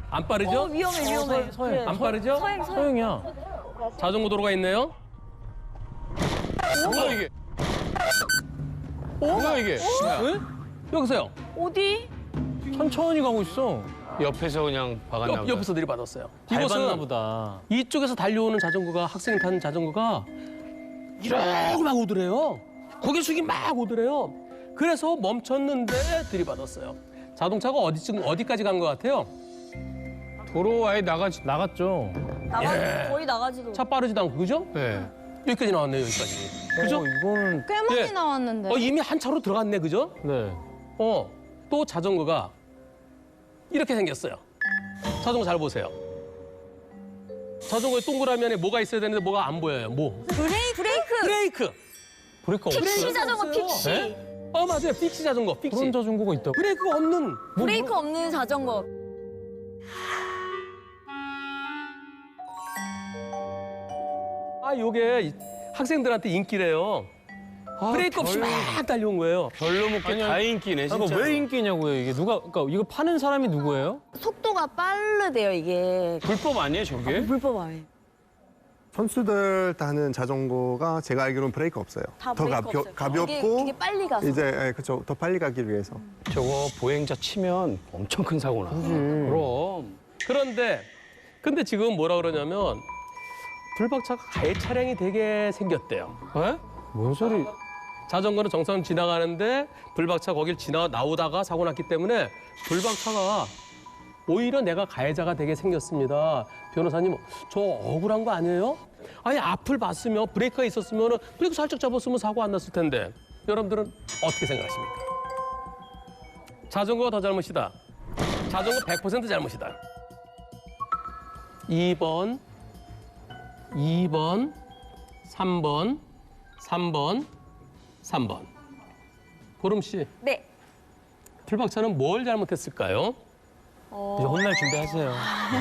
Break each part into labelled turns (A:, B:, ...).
A: 안 빠르죠?
B: 위험해.
C: 서행.
A: 안 빠르죠?
C: 서행이야.
A: 자전거 도로가 있네요.
D: 뭐야 이게? 뭐야 이게?
A: 응? 여기서요.
B: 어디?
C: 천천히 가고 있어.
D: 옆에서 그냥 박았나 보다.
A: 옆에서 들이받았어요.
C: 밟았나
A: 이곳은
C: 보다.
A: 이쪽에서 달려오는 자전거가 학생이 타는 자전거가 이러고 막 오더래요. 고개 숙이 막 오더래요. 그래서 멈췄는데 들이받았어요. 자동차가 어디까지 간 것 같아요?
D: 도로 아예
C: 나갔죠.
B: 거의 나가지도.
A: 차 빠르지도 않고 그죠?
D: 네.
A: 여기까지 나왔네요. 여기까지. 그죠?
C: 이거는
E: 꽤 많이
A: 예.
E: 나왔는데.
A: 이미 한 차로 들어갔네. 그죠?
C: 네.
A: 또 자전거가 이렇게 생겼어요. 자전거 잘 보세요. 자전거에 동그라미 안에 뭐가 있어야 되는데 뭐가 안 보여요. 뭐? 브레이크.
C: 브레이크 없어요.
B: 픽시 자전거
A: 없어요.
B: 픽시.
C: 네?
A: 맞아요. 픽시 자전거. 픽시.
C: 그런 자전거가 있다고?
A: 브레이크가 없는.
B: 브레이크 없는 자전거.
A: 요게 학생들한테 인기래요. 브레이크 없이 막 달려온 거예요.
D: 별로 먹게 다 인기네 진짜.
C: 그러니까 왜 인기냐고요, 이게. 그러니까 이거 파는 사람이 누구예요?
B: 속도가 빠르대요 이게.
D: 불법 아니에요 저게?
B: 불법 아니에요.
F: 선수들 타는 자전거가 제가 알기로는 브레이크 없어요.
B: 다
F: 더
B: 브레이크 없어요.
F: 가볍고
B: 그게 빨리 가서.
F: 이제 그렇죠. 더 빨리 가기 위해서.
D: 저거 보행자 치면 엄청 큰 사고 나. 그럼.
A: 근데 지금 뭐라 그러냐면 불박차가 가해 차량이 되게 생겼대요.
D: 에?
C: 뭔 소리?
A: 자전거는 정상 지나가는데 불박차 거길 나오다가 사고 났기 때문에 불박차가 오히려 내가 가해자가 되게 생겼습니다. 변호사님, 저 억울한 거 아니에요? 아니, 앞을 봤으면 브레이크가 있었으면 브레이크 살짝 잡았으면 사고 안 났을 텐데. 여러분들은 어떻게 생각하십니까? 자전거가 더 잘못이다. 자전거 100% 잘못이다. 2번, 3번, 3번. 보름 씨,
B: 네.
A: 불박차는 뭘 잘못했을까요?
C: 이제 혼날 준비하세요.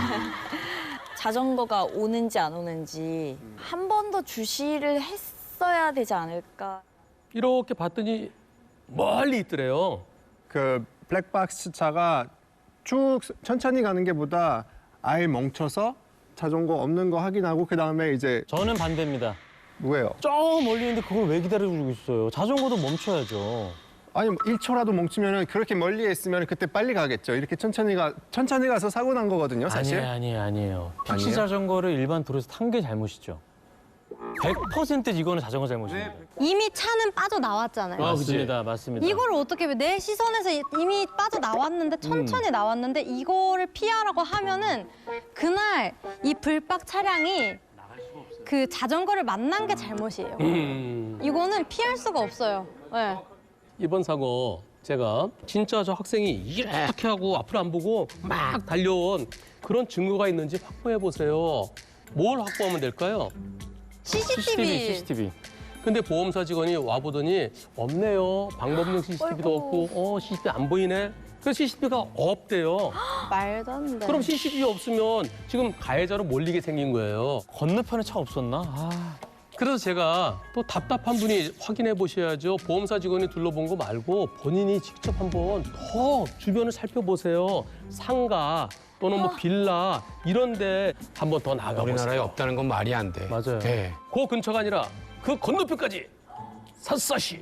B: 자전거가 오는지 안 오는지 한 번 더 주시를 했어야 되지 않을까.
A: 이렇게 봤더니 멀리 있더래요.
F: 그 블랙박스 차가 쭉 천천히 가는 게보다 아예 멈춰서 자전거 없는 거 확인하고 그 다음에 이제
C: 저는 반대입니다.
F: 뭐예요?
C: 저 멀리 있는데 그걸 왜 기다리고 있어요? 자전거도 멈춰야죠.
F: 아니 1초라도 멈추면은 그렇게 멀리에 있으면 그때 빨리 가겠죠. 이렇게 천천히 가서 사고 난 거거든요, 사실.
C: 아니에요. 픽시
F: 아니에요?
C: 자전거를 일반 도로에서 탄 게 잘못이죠. 100% 이거는 자전거 잘못입니다.
E: 이미 차는 빠져나왔잖아요.
C: 맞습니다.
E: 이거를 어떻게 내 시선에서 이미 빠져나왔는데 천천히 나왔는데 이거를 피하라고 하면은 그날 이 불박 차량이 그 자전거를 만난 게 잘못이에요. 이거는 피할 수가 없어요. 네.
A: 이번 사고 제가 진짜 저 학생이 이렇게 하고 앞을 안 보고 막 달려온 그런 증거가 있는지 확보해 보세요. 뭘 확보하면 될까요?
E: CCTV.
A: 근데 보험사 직원이 와보더니 없네요. 방법용 CCTV도 없고 CCTV 안 보이네. 그래서 CCTV가 없대요.
E: 말도 안 돼.
A: 그럼 CCTV 없으면 지금 가해자로 몰리게 생긴 거예요.
C: 건너편에 차 없었나?
A: 그래서 제가 또 답답한 분이 확인해 보셔야죠. 보험사 직원이 둘러본 거 말고 본인이 직접 한번 더 주변을 살펴보세요. 상가 또는 뭐 빌라 이런 데 한번 더 나가보세요.
D: 우리나라에 없다는 건 말이 안 돼.
C: 맞아요.
D: 네.
A: 그 근처가 아니라 그 건너편까지 샅샅이.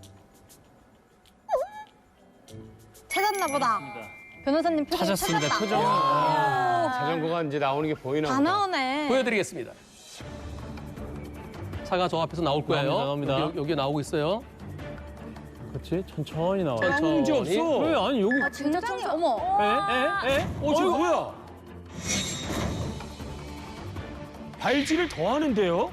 E: 찾았나 보다. 변호사님 표정
C: 찾았습니다.
E: 찾았다.
C: 표정.
D: 자전거가 이제 나오는 게 보이나
E: 다
D: 보다.
E: 나오네.
A: 보여드리겠습니다. 차가 저 앞에서 나올 거예요.
C: 나옵니다.
A: 여기 나오고 있어요.
C: 그렇지? 천천히 나와.
A: 천천히.
C: 문제 없어. 왜? 아니 여기.
B: 진짜
E: 굉장히 어머.
C: 에?
D: 저 뭐야? 발질을 더 하는데요?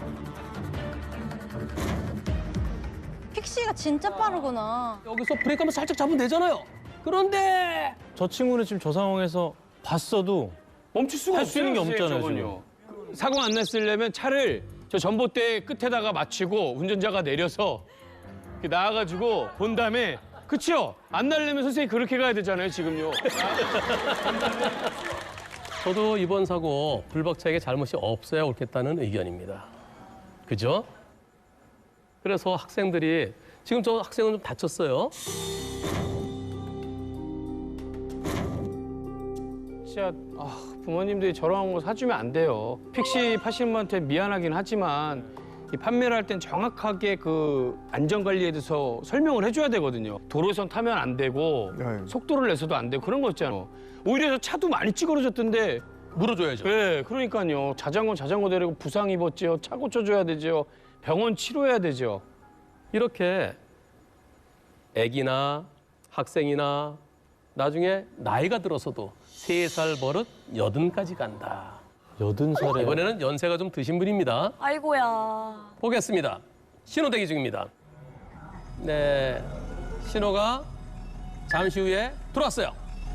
E: 픽시가 진짜 빠르구나.
A: 여기서 브레이크 한번 살짝 잡으면 되잖아요. 그런데
C: 저 친구는 지금 저 상황에서 봤어도
D: 멈출 수가
C: 할수 있는 게
D: 없어요,
C: 없잖아요,
D: 저건요. 사고 안 났으려면 차를 저 전봇대 끝에다가 맞추고 운전자가 내려서 이렇게 나와가지고 본 다음에 그치요? 안 날려면 선생님 그렇게 가야 되잖아요, 지금요.
A: 저도 이번 사고 불박차에게 잘못이 없어야 옳겠다는 의견입니다. 그죠? 그래서 학생들이 지금 저 학생은 좀 다쳤어요.
D: 진짜 부모님들이 저런 거 사주면 안 돼요. 픽시 파시는 분한테 미안하긴 하지만 이 판매를 할 땐 정확하게 그 안전관리에 대해서 설명을 해줘야 되거든요. 도로선 타면 안 되고
F: 네.
D: 속도를 내서도 안 되고 그런 거 있잖아요. 오히려 저 차도 많이 찌그러졌던데
A: 물어줘야죠.
D: 네, 그러니까요. 자전거 데리고 부상 입었지요. 차 고쳐줘야 되죠. 병원 치료해야 되죠.
A: 이렇게 아기나 학생이나 나중에 나이가 들어서도 3살 버릇 80까지 간다.
C: 80살에
A: 이번에는 연세가 좀 드신 분입니다.
B: 아이고야.
A: 보겠습니다. 신호 대기 중입니다. 네, 신호가 잠시 후에 들어왔어요.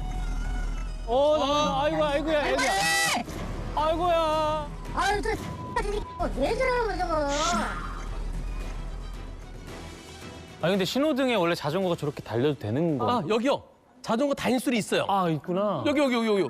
C: 아이고야, 애기야. 아이고야.
G: 아유, 왜 저러는 저거?
C: 아니 근데 신호등에 원래 자전거가 저렇게 달려도 되는 거?
A: 아, 여기요. 자전거 다인술이 있어요.
C: 있구나.
A: 여기.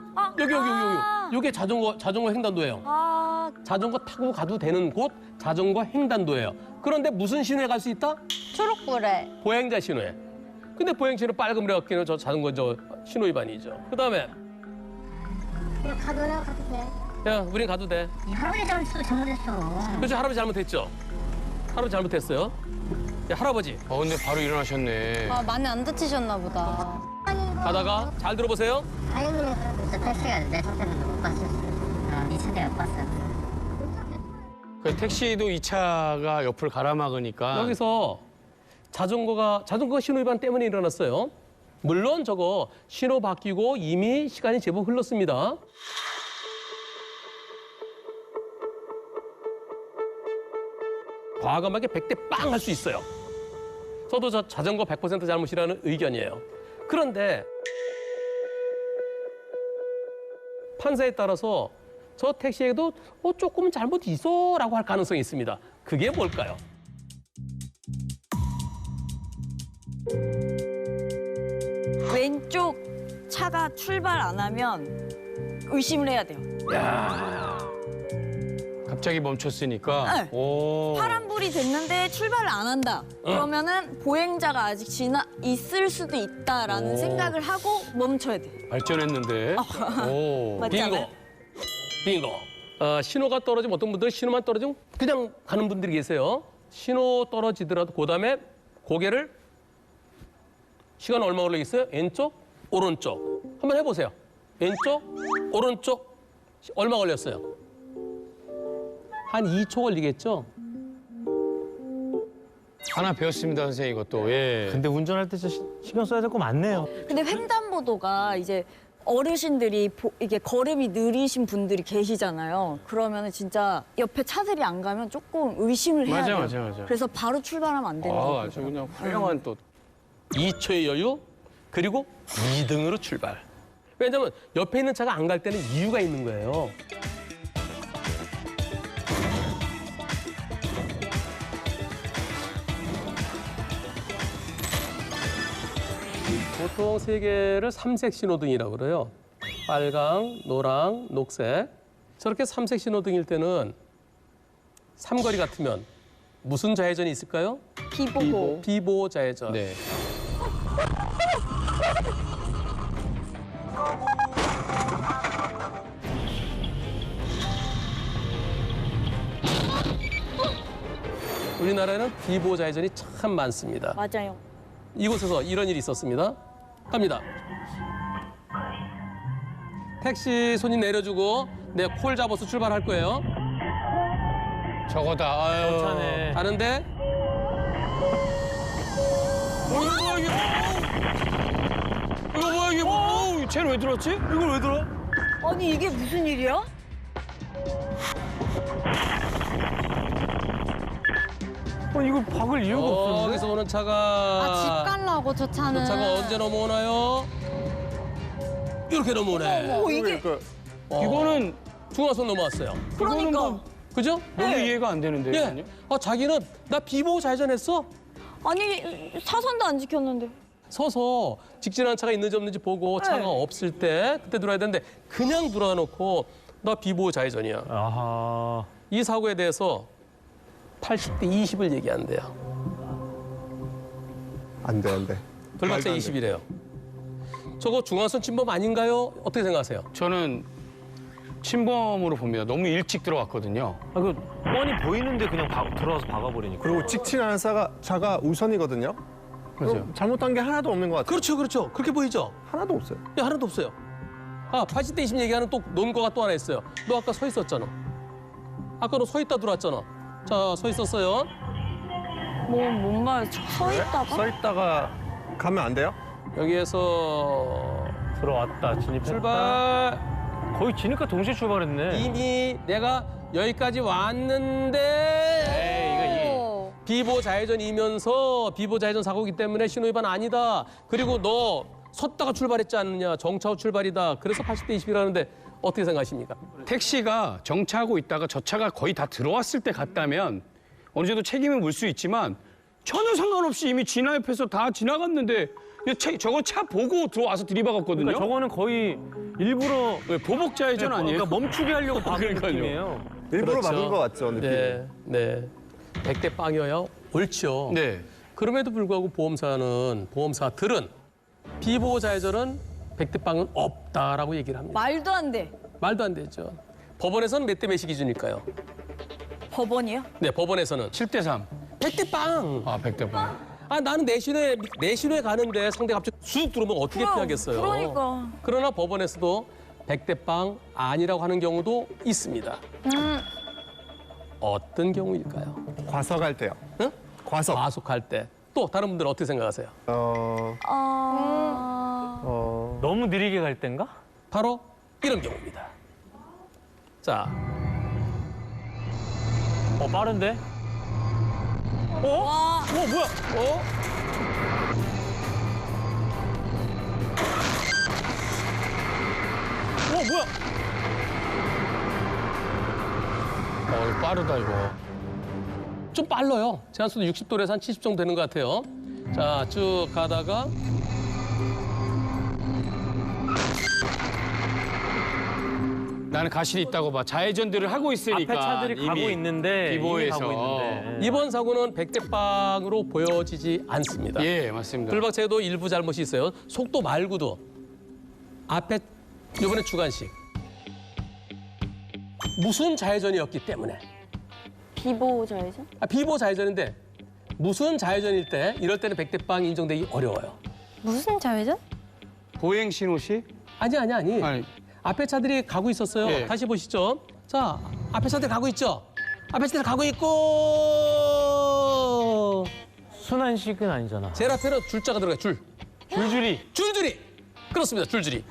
A: 이게 자전거 횡단도예요.
B: 아,
A: 자전거 타고 가도 되는 곳 자전거 횡단도예요. 그런데 무슨 신호에 갈 수 있다?
E: 초록불에.
A: 보행자 신호에. 근데 보행자 신호 빨간불에 갔기는 저 자전거 신호 위반이죠. 그다음에
G: 그냥 가도나 가도 돼.
A: 야, 우린 가도 돼.
G: 이 할아버지 잘못했어.
A: 그렇죠. 할아버지 잘못했죠. 할아버지 잘못했어요. 야, 할아버지
D: 근데 바로 일어나셨네.
E: 아, 많이 안 다치셨나 보다.
A: 가다가 잘 들어보세요.
G: 다행이네. 그래도 택시가 내 차를 못 봤어. 네 차를 못 봤어.
D: 그 택시도 이 차가 옆을 가로막으니까
A: 여기서 자전거 신호 위반 때문에 일어났어요. 물론 저거 신호 바뀌고 이미 시간이 제법 흘렀습니다. 과감하게 100대 빵 할 수 있어요. 저도 저 자전거 100% 잘못이라는 의견이에요. 그런데 판사에 따라서 저 택시에도 조금 잘못 있어라고 할 가능성이 있습니다. 그게 뭘까요?
B: 왼쪽 차가 출발 안 하면 의심을 해야 돼요.
D: 갑자기 멈췄으니까.
B: 네.
D: 오.
B: 파란불이 됐는데 출발을 안 한다. 그러면은 보행자가 아직 있을 수도 있다라는 생각을 하고 멈춰야 돼.
D: 발전했는데. 오.
B: 맞지 않아요?
A: 빙고. 신호가 떨어지면 어떤 분들은 신호만 떨어지면 그냥 가는 분들이 계세요. 신호 떨어지더라도 그다음에 고개를 시간 얼마 걸리겠어요? 왼쪽, 오른쪽. 한번 해보세요. 왼쪽, 오른쪽. 얼마 걸렸어요? 한 2초 걸리겠죠?
D: 하나 배웠습니다, 선생님 이것도. 예.
C: 근데 운전할 때 진짜 신경 써야 될 거 많네요.
B: 근데 횡단보도가 이제 어르신들이 이게 걸음이 느리신 분들이 계시잖아요. 그러면은 진짜 옆에 차들이 안 가면 조금 의심을 해야 돼요.
D: 맞아.
B: 그래서 바로 출발하면 안 되는 거예요.
D: 아주 그냥 훌륭한 또.
A: 2초의 여유, 그리고 2등으로 출발. 왜냐면 옆에 있는 차가 안 갈 때는 이유가 있는 거예요. 보통 세계를 삼색 신호등이라고 그래요. 빨강, 노랑, 녹색. 저렇게 삼색 신호등일 때는 삼거리 같으면 무슨 좌회전이 있을까요?
B: 비보고.
A: 비보호 좌회전.
D: 네.
A: 우리나라에는 비보호 좌회전이 참 많습니다.
B: 맞아요.
A: 이곳에서 이런 일이 있었습니다. 갑니다. 택시 손님 내려주고 내 콜 잡아서 출발할 거예요.
D: 저거다. 아유.
C: 차네.
A: 가는데
D: 이거 뭐야 이게? 뭐? 쟤는 왜 들었지? 이걸 왜 들어?
B: 아니 이게 무슨 일이야?
C: 이걸 박을 이유가 없었는데.
A: 여기서 오는
E: 아,
A: 차가
E: 집 가려고 저 차는.
A: 저 차가 언제 넘어오나요? 이렇게 넘어오네.
B: 이게
D: 이거는
A: 중앙선 넘어왔어요.
D: 이거는 뭐
A: 그죠?
D: 너무 이해가 안 되는데.
A: 예. 자기는 나 비보호 좌회전했어.
B: 아니 사선도 안 지켰는데.
A: 서서 직진하는 차가 있는지 없는지 보고 차가 없을 때 그때 들어야 되는데 그냥 들어놓고 나 비보호 좌회전이야.
C: 아하.
A: 이 사고에 대해서 80대 20을 얘기한대요.
F: 안 돼.
A: 돌박차
F: 말도 안 돼.
A: 20이래요. 저거 중앙선 침범 아닌가요? 어떻게 생각하세요?
D: 저는 침범으로 봅니다. 너무 일찍 들어왔거든요.
C: 아, 그 뻔히 보이는데 그냥 들어와서 박아버리니까.
F: 그리고 직진하는 차가 우선이거든요. 그럼 잘못한 게 하나도 없는 것 같아요.
A: 그렇죠, 그렇죠. 그렇게 보이죠?
F: 하나도 없어요.
A: 야, 하나도 없어요. 아, 80대 20 얘기하는 또 논거가 또 하나 있어요. 너 아까 서 있었잖아. 아까 너 서 있다 들어왔잖아. 자, 서 있었어요.
B: 뭔 말, 서 있다가?
F: 서 있다가 가면 안 돼요?
A: 여기에서
C: 들어왔다, 진입했다.
A: 출발.
C: 거의 지니까 동시에 출발했네.
A: 이미 내가 여기까지 왔는데
B: 오.
A: 비보 좌회전이면서 비보 좌회전 사고이기 때문에 신호위반 아니다. 그리고 너 섰다가 출발했지 않느냐. 정차 후 출발이다. 그래서 80대 20이라는데 어떻게 생각하십니까?
D: 택시가 정차하고 있다가 저 차가 거의 다 들어왔을 때 갔다면 어느 정도 책임을 물 수 있지만 전혀 상관없이 이미 진화 옆에서 다 지나갔는데 저거 차 보고 들어와서 들이박았거든요.
C: 그러니까 저거는 거의 일부러
D: 왜 보복 좌회전 아니에요?
C: 그러니까 멈추게 하려고 박은
D: 그러니까요.
C: 느낌이에요.
F: 일부러
A: 그렇죠.
F: 막은 것 같죠, 느낌이.
A: 네. 100대 빵이어야 옳죠.
D: 네.
A: 그럼에도 불구하고 보험사들은 비보호 좌회전은 100대 빵은 없다라고 얘기를 합니다.
B: 말도 안 돼.
A: 말도 안 되죠. 법원에서는 몇 대 몇이 기준일까요?
B: 법원이요?
A: 네, 법원에서는
D: 7대 3.
A: 100대 빵.
D: 아, 100대 8.
A: 아, 나는 내신호에 가는데 상대 갑자기 쑥 들어오면 어떻게 피하겠어요?
B: 그러니까.
A: 그러나 법원에서도 100대 빵 아니라고 하는 경우도 있습니다. 어떤 경우일까요?
F: 과속할 때요.
A: 응?
F: 과속.
A: 과속할 때. 또 다른 분들은 어떻게 생각하세요?
C: 너무 느리게 갈 땐가?
A: 바로 이런 경우입니다. 자,
C: 빠른데?
B: 와.
C: 뭐야? 뭐야?
D: 이거 빠르다, 이거.
A: 좀 빨라요. 제한속도 60도에서 한 70 정도 되는 것 같아요. 자, 쭉 가다가
D: 나는 가실이 있다고 봐. 좌회전들을 하고 있으니까.
C: 앞에 차들이 가고
D: 이미
C: 있는데
D: 비보에서.
C: 이미 가고 있는데.
A: 이번 사고는 100대 빵으로 보여지지 않습니다.
D: 예, 맞습니다.
A: 불박차에도 일부 잘못이 있어요. 속도 말고도 앞에 이번에 주간식 무슨 좌회전이었기 때문에
B: 비보 좌회전?
A: 비보 좌회전인데 무슨 좌회전일 때 이럴 때는 100대 빵 인정되기 어려워요.
E: 무슨 좌회전?
D: 보행 신호시?
A: 아니.
D: 아니,
A: 앞에 차들이 가고 있었어요.
D: 예.
A: 다시 보시죠. 자, 앞에 차들 가고 있죠. 앞에 차들 가고 있고
C: 순환식은 아니잖아.
A: 제일 앞에는 줄자가 들어가요.
C: 줄줄이.
A: 줄줄이. 그렇습니다. 줄줄이.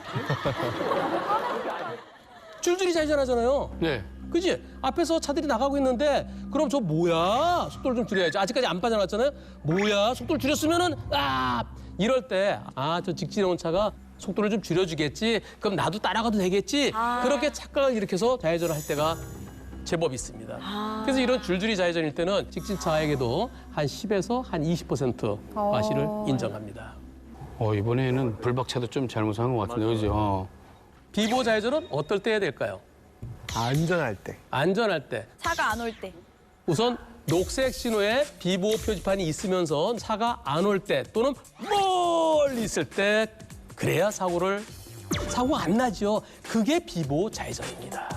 A: 줄줄이 좌회전하잖아요.
D: 네.
A: 그지? 앞에서 차들이 나가고 있는데 그럼 저 뭐야? 속도를 좀 줄여야지. 아직까지 안 빠져나왔잖아요. 뭐야? 속도를 줄였으면은 이럴 때 저 직진해 온 차가 속도를 좀 줄여주겠지. 그럼 나도 따라가도 되겠지. 그렇게 착각을 일으켜서 좌회전을 할 때가 제법 있습니다. 그래서 이런 줄줄이 좌회전일 때는 직진차에게도 한 10에서 한 20% 과실을 인정합니다.
D: 이번에는 불박차도 좀 잘못한 것 같은데, 그죠?
A: 비보 좌회전은 어떨 때 해야 될까요?
F: 안전할 때.
A: 안전할 때.
B: 차가 안 올 때.
A: 우선 녹색 신호에 비보호 표지판이 있으면서 차가 안 올 때 또는 멀리 있을 때 그래야 사고가 안 나죠. 그게 비보호 좌회전입니다.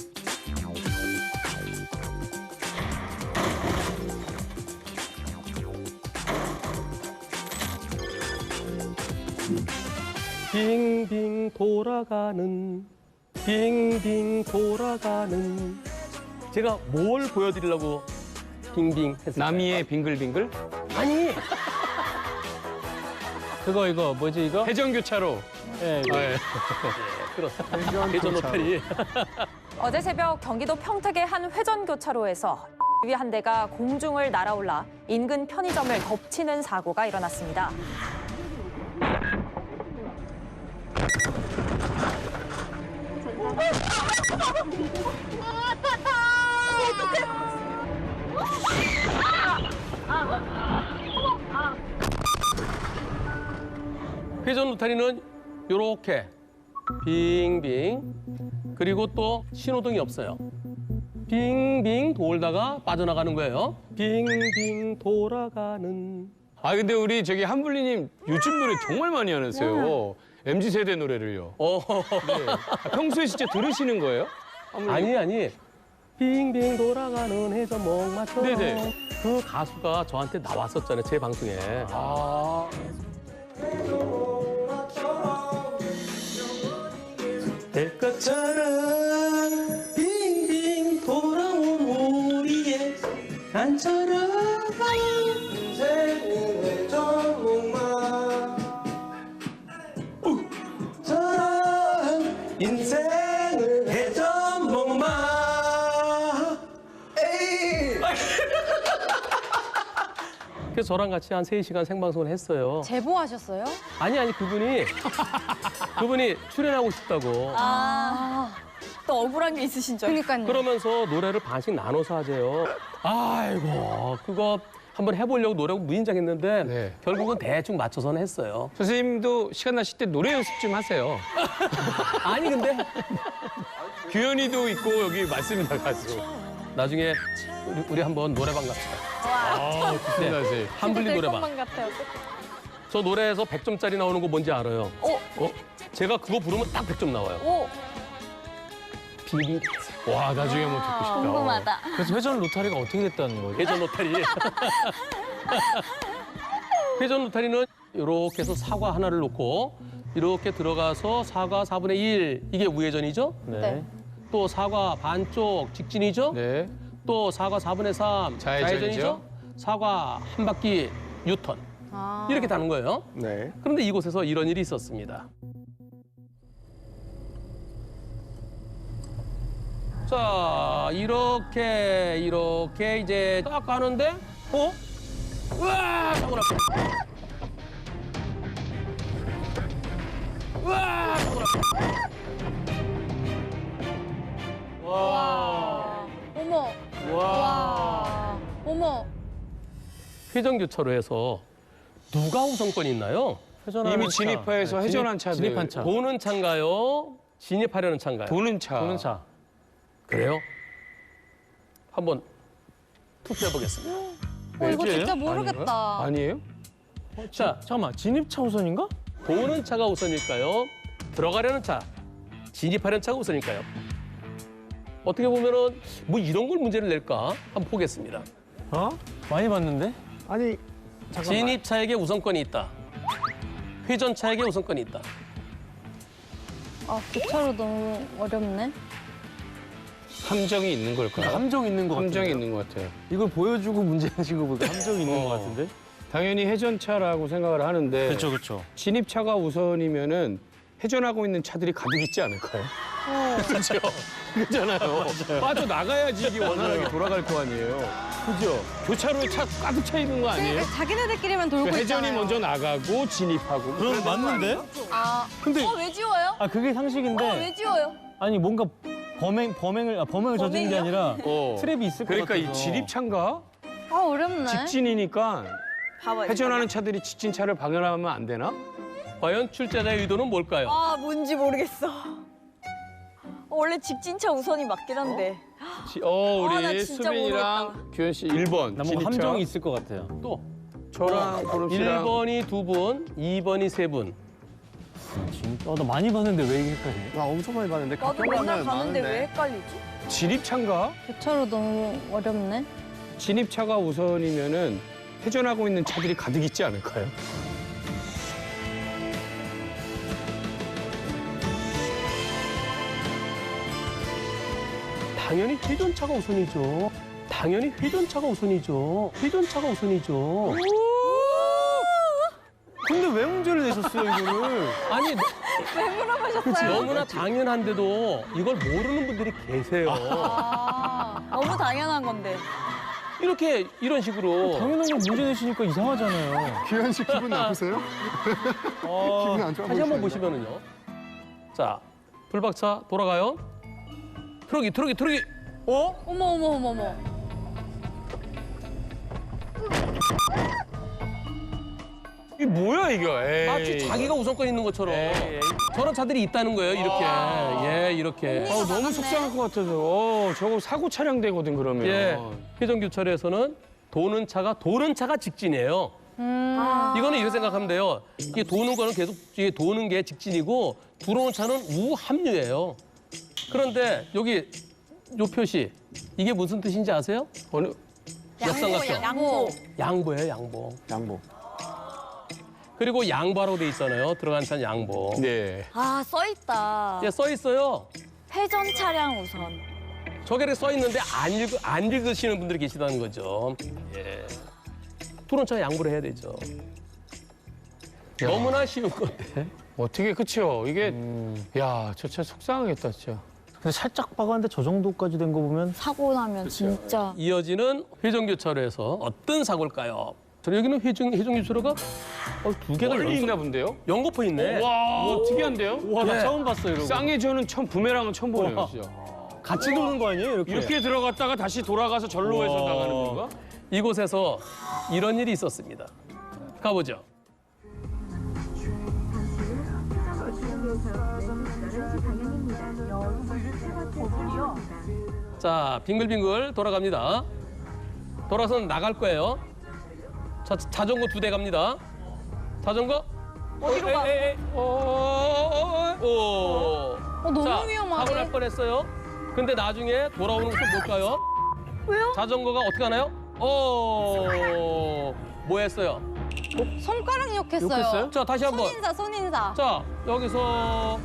A: 빙빙 돌아가는 제가 뭘 보여드리려고 빙빙 했을까요?
D: 남이의 빙글빙글?
A: 아니
C: 이거 뭐지 이거?
D: 회전교차로.
C: 예, 이거.
D: 네.
A: 그렇습니다. 회전 로터리.
H: 어제 새벽 경기도 평택의 한 회전교차로에서 한 대가 공중을 날아올라 인근 편의점을 덮치는 사고가 일어났습니다.
A: 회전 로터리는 요렇게 빙빙 그리고 또 신호등이 없어요. 빙빙 돌다가 빠져나가는 거예요. 빙빙 돌아가는.
D: 근데 우리 한블리님 요즘 노래 정말 많이 하세요. MZ세대 노래를요. 네. 아, 평소에 진짜 들으시는 거예요?
A: 아니. 빙빙 돌아가는 해저목마처럼.
D: 네네.
A: 그 가수가 저한테 나왔었잖아요, 제 방송에.
D: 아,
A: 될 것처럼 빙빙 돌아온 우리의 간처럼 인생의 전목만 저런 인생을 해전목만 그래서 저랑 같이 한 3시간 생방송을 했어요.
E: 제보하셨어요?
A: 아니 그분이 출연하고 싶다고.
B: 또 억울한 게 있으신 줄.
E: 그러니까요.
A: 그러면서 노래를 반씩 나눠서 하재요. 아이고, 그거 한번 해보려고 노래하고 무인장했는데
D: 네.
A: 결국은 대충 맞춰서는 했어요.
D: 선생님도 시간 나실 때 노래 연습 좀 하세요.
A: 아니 근데
D: 규현이도 있고 여기 맞습니다, 가수.
A: 나중에 우리 한번 노래방 갑시다.
D: 아, 좋습니다, 선생님.
A: 한블리 노래방.
B: 같아요.
A: 저 노래에서 100점짜리 나오는 거 뭔지 알아요? 제가 그거 부르면 딱 100점 나와요.
B: 오,
A: 비비.
D: 와, 나중에 한번 듣고 싶다.
B: 궁금하다.
C: 그래서 회전 로타리가 어떻게 됐다는 거죠?
A: 회전 로타리. 회전 로타리는 이렇게 해서 사과 하나를 놓고 이렇게 들어가서 사과 4분의 1 이게 우회전이죠?
C: 네.
A: 또 사과 반쪽 직진이죠?
D: 네.
A: 또 사과 4분의 3
D: 좌회전이죠?
A: 좌회전이죠? 사과 한 바퀴 유턴. 이렇게 다는 거예요.
F: 네.
A: 그런데 이곳에서 이런 일이 있었습니다. 자, 이렇게 이제 딱 가는데 우와! 사고 났어. 우와! 사고 났어.
E: 어머. 와. 어머.
A: 회전교차로에서 누가 우선권이 있나요?
D: 이미 진입하여서 회전한 차들.
C: 진입한 차.
A: 도는 차인가요? 진입하려는 차인가요?
D: 도는 차.
C: 도는 차.
A: 그래요? 한번 투표해 보겠습니다.
E: 이거
C: 왠지예요?
E: 진짜 모르겠다.
D: 아니에요?
A: 자,
C: 잠깐만, 진입차 우선인가?
A: 도는 차가 우선일까요? 들어가려는 차, 진입하려는 차가 우선일까요? 어떻게 보면은 뭐 이런 걸 문제를 낼까? 한번 보겠습니다.
C: 많이 봤는데?
F: 아니 잠깐만.
A: 진입차에게 우선권이 있다. 회전차에게 우선권이 있다.
E: 아, 교차로 너무 어렵네.
D: 함정이 있는 걸까요?
C: 함정 있는 거
D: 함정이
C: 같은데.
D: 있는 것 같아요.
C: 이걸 보여주고 문제 내신 거 보니까 함정이 있는 거 같은데?
D: 당연히 회전차라고 생각을 하는데
C: 그렇죠.
D: 진입차가 우선이면은 회전하고 있는 차들이 가득 있지 않을까요? 그렇죠. 그렇잖아요. 빠져나가야지 이게 원활하게 돌아갈 거 아니에요. 그죠? 교차로에 차 가득 차 있는 거 아니에요?
E: 자기네들끼리만 돌고 있잖아요.
D: 회전이 먼저 나가고 진입하고.
C: 그럼 맞는데? 근데
B: 왜 지워요?
C: 그게 상식인데
B: 왜 지워요?
C: 아니 뭔가 범행을 저지른 게 아니라 트랩이 있을 것 같아서.
D: 그러니까 이 진입차인가?
E: 아, 어렵네.
D: 직진이니까
B: 봐봐요.
D: 회전하는 차들이 직진차를 방해하면 안 되나?
A: 과연 출제자의 의도는 뭘까요?
B: 아, 뭔지 모르겠어. 원래 직진차 우선이 맞긴 한데. 나
D: 우리
B: 진짜
D: 수빈이랑 규현 씨 1번
C: 나 뭔가
D: 진입차.
C: 함정이 있을 것 같아요.
A: 또
D: 저랑 보름 씨랑
A: 1번이 2분, 2번이 3분.
C: 나 많이 봤는데 왜 이게 헷갈리냐?
F: 나 엄청 많이 봤는데
B: 나도
F: 가끔
B: 맨날
F: 가면
B: 가는데 왜
F: 많은데.
B: 헷갈리지?
D: 진입차인가?
E: 교차로 너무 어렵네.
D: 진입차가 우선이면은 회전하고 있는 차들이 가득 있지 않을까요?
A: 당연히 회전차가 우선이죠. 당연히 회전차가 우선이죠. 회전차가 우선이죠.
C: 근데 왜 문제를 내셨어요, 이거를?
A: 아니,
B: 왜 물어보셨어요?
A: 너무나 당연한데도 이걸 모르는 분들이 계세요.
B: 너무 당연한 건데.
A: 이렇게 이런 식으로
C: 당연한 걸 문제 내시니까 이상하잖아요.
F: 규현 씨 기분 나쁘세요? 기분 안 좋아
A: 다시 한번
F: 보이시는데.
A: 보시면은요. 자, 불박차 돌아가요. 트럭이.
E: 어머.
D: 이게 뭐야 이거? 에이.
A: 마치 자기가 우선권 있는 것처럼 저런 차들이 있다는 거예요. 이렇게. 예, 이렇게.
D: 너무 속상할 것 같아서. 저거 사고 차량 되거든 그러면.
A: 예, 회전교차로에서는 도는 차가 직진이에요. 이거는 이렇게 생각하면 돼요. 이게 도는 거는 계속 이게 도는 게 직진이고 들어오는 차는 우합류예요. 그런데 여기 요 표시 이게 무슨 뜻인지 아세요?
D: 어느
A: 역삼각형.
B: 양보.
A: 양보예요, 양보.
F: 양보.
A: 그리고 양보라고 돼 있잖아요. 들어간 차는 양보.
D: 네.
B: 아, 써있다.
A: 예, 써 있어요.
B: 회전 차량 우선.
A: 저게 이렇게 써 있는데 안 읽으시는 분들이 계시다는 거죠. 예. 들어온 차가 양보를 해야 되죠. 너무나 쉬운 건데.
D: 어떻게 그치요? 이게 야, 저 차 속상하겠다, 진짜.
C: 근데 살짝 박았는데 저 정도까지 된 거 보면
B: 사고 나면 진짜.
A: 이어지는 회전교차로에서 어떤 사고일까요? 저 여기는 회전교차로가 두 개가
D: 멀리 있나 본데요?
A: 연거푸 있네.
D: 와, 특이한데요?
C: 와, 나
A: 예.
C: 처음 봤어요, 이러고.
D: 쌍해전은 처음 부메랑은 처음 보네요,
C: 우와.
D: 진짜.
C: 같이 도는 거 아니에요, 이렇게?
D: 이렇게 들어갔다가 다시 돌아가서 절로 해서
C: 우와.
D: 나가는 건가?
A: 이곳에서 이런 일이 있었습니다. 가보죠. 자, 빙글빙글 돌아갑니다. 돌아서 나갈 거예요. 자, 자전거 2대 갑니다. 자전거.
B: 어디로 가?
A: 오.
E: 너무
A: 자,
E: 위험하네.
A: 사고 날 뻔했어요. 근데 나중에 돌아오는 것은 뭘까요?
B: 왜요?
A: 자전거가 어떻게 하나요? 뭐 했어요?
E: 손가락 욕했어요.
C: 욕했어요?
A: 자, 다시 한번.
E: 손인사, 손인사.
A: 자, 여기서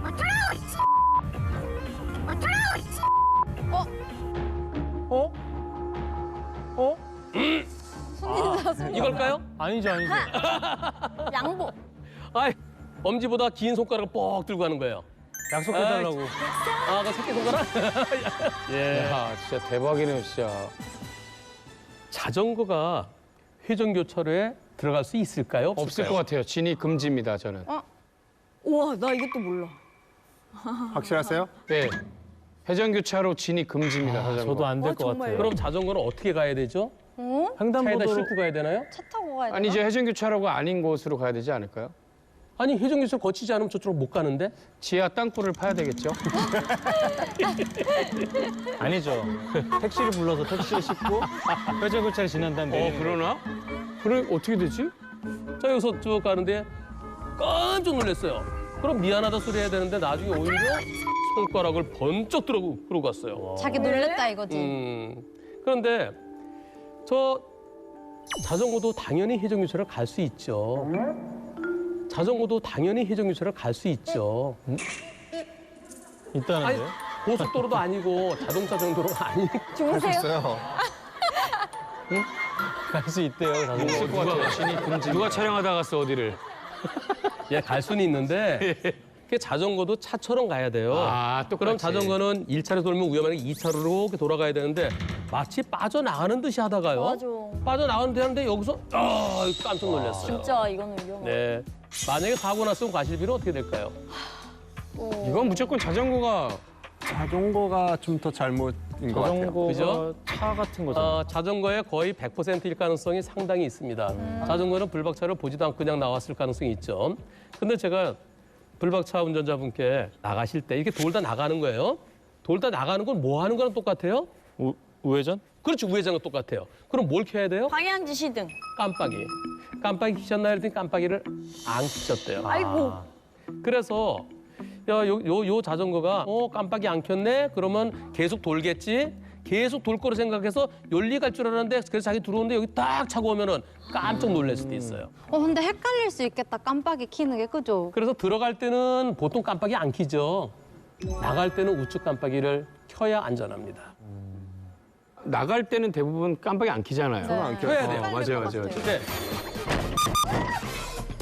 C: 어? 어?
E: 손인사, 손인사.
A: 이걸까요?
C: 아니죠, 아니죠.
B: 양보.
A: 아이, 엄지보다 긴 손가락을 뻑 들고 가는 거예요.
C: 약속해달라고.
A: 아, 그 새끼손가락? 예.
D: 야, 진짜 대박이네요, 진짜.
A: 자전거가 회전교차로에 들어갈 수 있을까요?
D: 없을
A: 없을까요?
D: 것 같아요. 진입 금지입니다, 저는.
B: 우와, 나 이것도 몰라.
F: 확실하세요?
D: 네. 회전교차로 진입 금지입니다, 자전거.
C: 저도 안 될
B: 아,
C: 것 같아요.
B: 정말요?
A: 그럼 자전거는 어떻게 가야 되죠?
E: 어?
A: 차에다
C: 횡단보도로
A: 싣고 가야 되나요?
E: 차 타고 가야 되나?
D: 아니, 이제 회전교차로가 아닌 곳으로 가야 되지 않을까요?
A: 아니, 회전교차로 거치지 않으면 저쪽으로 못 가는데?
D: 지하 땅굴을 파야 되겠죠?
C: 아니죠. 택시를 불러서 택시에 싣고 회전교차를 지난 다음에
D: 그러나? 그래, 어떻게 되지?
A: 자, 여기서 쭉 가는데 깜짝 놀랐어요. 그럼 미안하다 소리 해야 되는데 나중에 오히려 손가락을 번쩍 들고 갔어요.
E: 자기 놀랬다 이거지.
A: 그런데 저 자전거도 당연히 회전교차를 갈 수 있죠. 자전거도 당연히 회전교차를 갈 수 있죠. 아니,
C: 있다는데요?
A: 고속도로도 아니고 자동차 정도로가 아니니까.
B: 주무세요?
F: 있어요.
C: 갈 수 있대요, 자전거.
D: 누가 진입 금지. 누가 촬영하다 갔어, 어디를?
A: 예, 갈 수는 있는데 그게 자전거도 차처럼 가야 돼요.
D: 아, 똑같이.
A: 그럼 자전거는 1차로 돌면 위험하니까 2차로로 이렇게 돌아가야 되는데 마치 빠져나가는 듯이 하다가요.
B: 맞아.
A: 빠져나가는 듯 하는데 여기서 깜짝 놀랐어요.
B: 진짜 이거는 위험하다.
A: 네. 만약에 사고 났으면 과실비는 어떻게 될까요?
D: 이건 무조건 자전거가
F: 자전거가 좀 더 잘못인 것 같아요.
C: 자전거가
A: 그죠?
C: 차 같은 거잖아요.
A: 자전거의 거의 100%일 가능성이 상당히 있습니다. 자전거는 불박차를 보지도 않고 그냥 나왔을 가능성이 있죠. 근데 제가 불박차 운전자분께 나가실 때 이렇게 돌다 나가는 거예요. 돌다 나가는 건 뭐 하는 거랑 똑같아요?
C: 우회전?
A: 그렇지, 우회전과 똑같아요. 그럼 뭘 켜야 돼요?
B: 방향지 시등.
A: 깜빡이. 깜빡이 켜셨나 했더니 깜빡이를 안 켜셨대요.
B: 아이고.
A: 그래서 요 자전거가 깜빡이 안 켰네? 그러면 계속 돌겠지? 계속 돌 거로 생각해서 열리 갈 줄 알았는데 그래서 자기 들어오는데 여기 딱 차고 오면은 깜짝 놀랄 수도 있어요.
E: 근데 헷갈릴 수 있겠다. 깜빡이 켜는 게 그죠?
A: 그래서 들어갈 때는 보통 깜빡이 안 켜죠. 나갈 때는 우측 깜빡이를 켜야 안전합니다.
D: 나갈 때는 대부분 깜빡이 안 켜잖아요.
F: 안 켜요.
A: 켜야 돼요.
D: 맞아요.
A: 네.